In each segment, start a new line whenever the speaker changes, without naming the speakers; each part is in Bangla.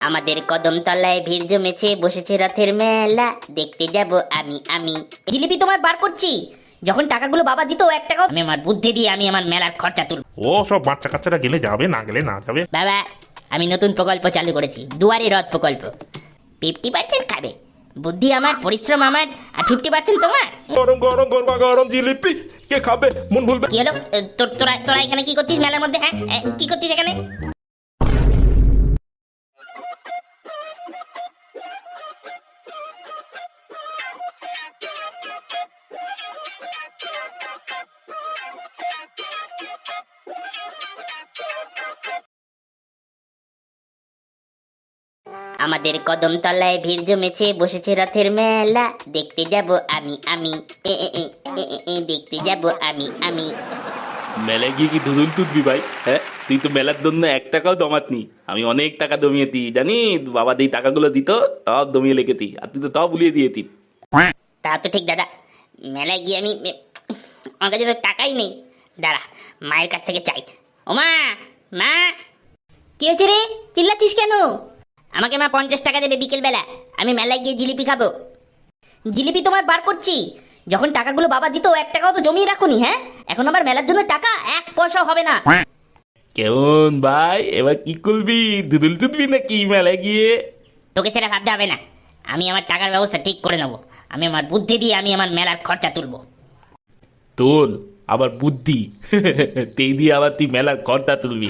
আমাদের কদমতলায় ভিড় জমেছে, বসেছে রথের মেলা, দেখতে যাব আমি। জিলিপি তোমার বার করছি, যখন টাকাগুলো বাবা দিত 1 টাকাও আমি আমার বুদ্ধি দিয়ে আমি আমার মেলার খরচা তুলব।
ও সব বাচ্চা কাচ্চারা গেলে যাবে, না গেলে না যাবে।
বাবা, আমি নতুন প্রকল্প চালু করেছি, দুয়ারে রথ প্রকল্প। 50% খাবে, বুদ্ধি আমার, পরিশ্রম আমার, আর 50% তোমার।
গরম গরম গরমা গরম জিলিপি কে খাবে মন ভুলবে।
কি হলো? তোরা এখানে কি করছিস মেলার মধ্যে? হ্যাঁ, কি করছিস এখানে? আমাদের কদমতলায় ভিড় জমেছে, বসেছে রথের মেলা, দেখতে যাব আমি। দেখতে যাব আমি।
মেলায় গিয়ে কি ধুদুল তুদবি ভাই? হ্যাঁ, তুই তো মেলার জন্য 1 টাকাও জমাতনি। আমি অনেক টাকা জমিয়েছি জানি, বাবা যেই টাকাগুলো দিত সব জমিয়ে লেগেছি, আর তুই তো তাও ভুলিয়ে দিয়েছি।
তা তো ঠিক দাদা, মেলায় গিয়ে আমার কাছে তো টাকাই নেই। দাঁড়া, মায়ের কাছ থেকে চাই। ও মা, কি হয়েছে রে? চিল্লাচ্ছিস কেন? আমাকে মা 50 টাকা দেবে বিকেলবেলা, আমি মেলায় গিয়ে জিলিপি খাবো। জিলিপি তোমার বার করছি, যখন টাকাগুলো বাবা দিত 1 টাকাও তো জমিয়ে রাখুনি। হ্যাঁ, এখন আবার মেলার জন্য টাকা 1 পয়সাও হবে না।
কেমন ভাই, এবার কি করবি? ধুদুল তুদবি নাকি মেলায় গিয়ে?
তোকে ছেড়ে ভাবতে হবে না, আমি আমার টাকার ব্যবস্থা ঠিক করে নেবো। আমি আমার বুদ্ধি দিয়ে আমি আমার মেলার খরচা তুলবো।
তোর আবার বুদ্ধি? তেই দিয়ে আবার তুই মেলার খরচা তুলবি?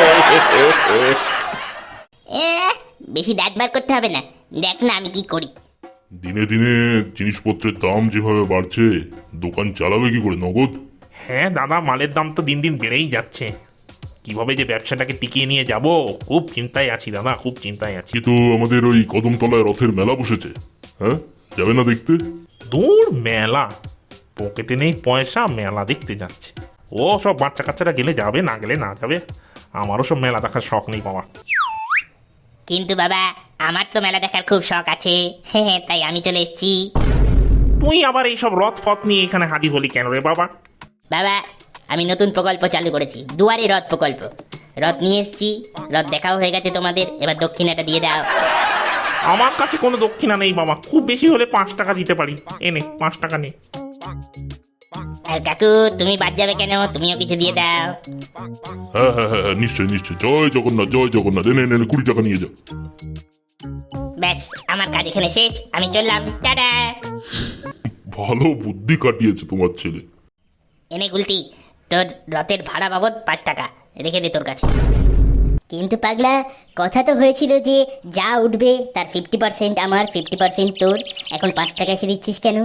বেশি দাঁত বার করতে হবে না, দেখ না আমি কি করি।
দিনে দিনে জিনিসপত্রের দাম যেভাবে বাড়ছে, দোকান চালাবে কি করে নগদ?
হ্যাঁ দাদা, মালের দাম তো দিন দিন বেড়েই যাচ্ছে। কিভাবে যে ব্যবসাটাকে টিকিয়ে নিয়ে যাব, খুব চিন্তায় আছি দাদা, খুব চিন্তায় আছি।
কিন্তু আমাদের ওই কদমতলায় রথের মেলা বসেছে, হ্যাঁ যাবে না দেখতে?
দূর মেলা, পকেটে নেই পয়সা, মেলা দেখতে যাচ্ছে। ও সব বাচ্চা কাচ্চারা গেলে যাবে, না গেলে না যাবে। আমারও সব মেলা দেখার শখ নেই বাবা।
কিন্তু বাবা, আমার তো মেলা দেখার খুব শখ আছে, তাই আমি চলে এসেছি।
তুই আবার এইসব রথ ফথ নিয়ে এখানে হাজির হলি কেন রে বাবা?
বাবা, আমি নতুন প্রকল্প চালু করেছি, দুয়ারে রথ প্রকল্প। রথ নিয়ে এসেছি, রথ দেখাও হয়ে গেছে তোমাদের, এবার দক্ষিণাটা দিয়ে দাও।
আমার কাছে কোনো দক্ষিণা নেই বাবা, খুব বেশি হলে 5 টাকা দিতে পারি। এনে 5 টাকা নে।
আর কাকু, তুমি বাদ যাবে কেন? তুমিও কিছু দিয়ে দাও।
হ্যাঁ হ্যাঁ হ্যাঁ, নিশ্চয় নিশ্চয়। জয় জগন্নাথ, জয় জগন্নাথ। এনে 20 টাকা নিয়ে যাও।
ব্যাস, আমার কাজ এখানে শেষ, আমি চললাম, টাটা।
ভালো বুদ্ধি কাটিয়েছে তোমার ছেলে।
এনে গুলতি, তোর রথের ভাড়া বাবদ 5 টাকা রেখে দে তোর কাছে। কিন্তু পাগলা, কথা তো হয়েছিল যে যা উঠবে তার 50% আমার, 50% তোর। এখন 5 টাকা এসে দিচ্ছিস কেন?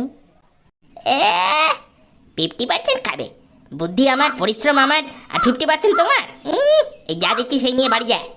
50% খাবে, বুদ্ধি আমার, পরিশ্রম আমার, আর 50% তোমার। এই যা দিচ্ছি সেই নিয়ে বাড়ি যায়।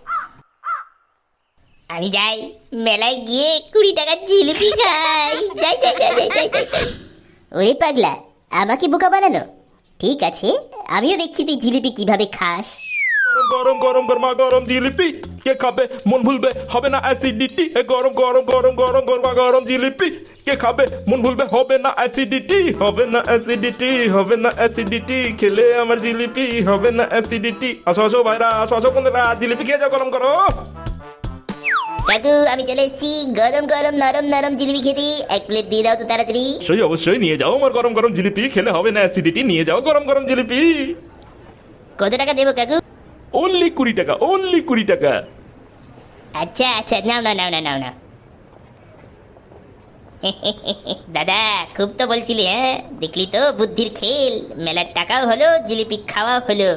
আমি যাই, মেলায় গিয়ে 20 টাকার জিলিপি খাই। যাই। ওরে পাগলা, আমাকে বোকা বানানো? ঠিক আছে, আমিও দেখছি তুই জিলিপি কিভাবে খাস।
গরম গরম গরমা গরম জিলিপি কে খাবে মন ভুলবে, হবে না অ্যাসিডিটি। গরম গরম গরম গরম গরমা গরম জিলিপি কে খাবে মন ভুলবে, হবে না অ্যাসিডিটি, হবে না অ্যাসিডিটি, হবে না অ্যাসিডিটি। খেলে আমার জিলিপি হবে না অ্যাসিডিটি। আসো ভাইরা, আসো বন্ধুরা, জিলিপি খেয়ে যাও, গরম করো।
কাকু, আমি চলে এসেছি, গরম গরম নরম নরম জিলিপি খেতে। 1 প্লেট দিয়ে দাও তো তাড়াতাড়ি।
অবশ্যই নিয়ে যাও আমার গরম গরম জিলিপি, খেলে হবে না অ্যাসিডিটি। নিয়ে যাও গরম গরম জিলিপি।
কত টাকা দেবো কাকু?
অনলি 20 টাকা, অনলি 20 টাকা।
আচ্ছা, নাও না। দাদা, খুব তো বলছিলি, হ্যাঁ? দেখলি তো বুদ্ধির খেল, মেলার টাকাও হলো, জিলিপি খাওয়াও হলো।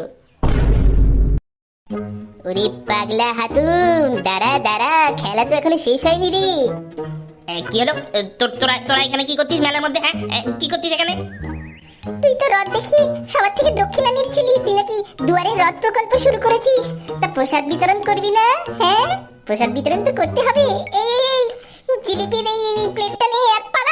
ওরে পাগলা হাতুম, দাঁড়া, খেলা তো এখনো শেষ হয়নি রে। কি হলো? তোরা এখানে কি করছিস মেলার মধ্যে? হ্যাঁ, কি করছিস এখানে?
তুই তো রথ দেখি সবার থেকে দক্ষিণা নিচ্ছিলি, তুই নাকি দুয়ারে রথ প্রকল্প শুরু করেছিস। তা প্রসাদ বিতরণ করবি না? হ্যাঁ, প্রসাদ বিতরণ তো করতে হবে। এই জিলিপির এই প্লেটটা নে আর পালা।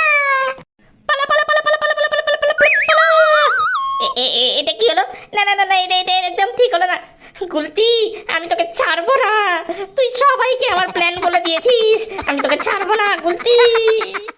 এটা কি হলো? না, এটা একদম ঠিক হলো না। গুলতি, আমি তোকে ছাড়বো না। তুই সবাইকে আমার প্ল্যান বলে দিয়েছিস, আমি তোকে ছাড়বো না গুলতি।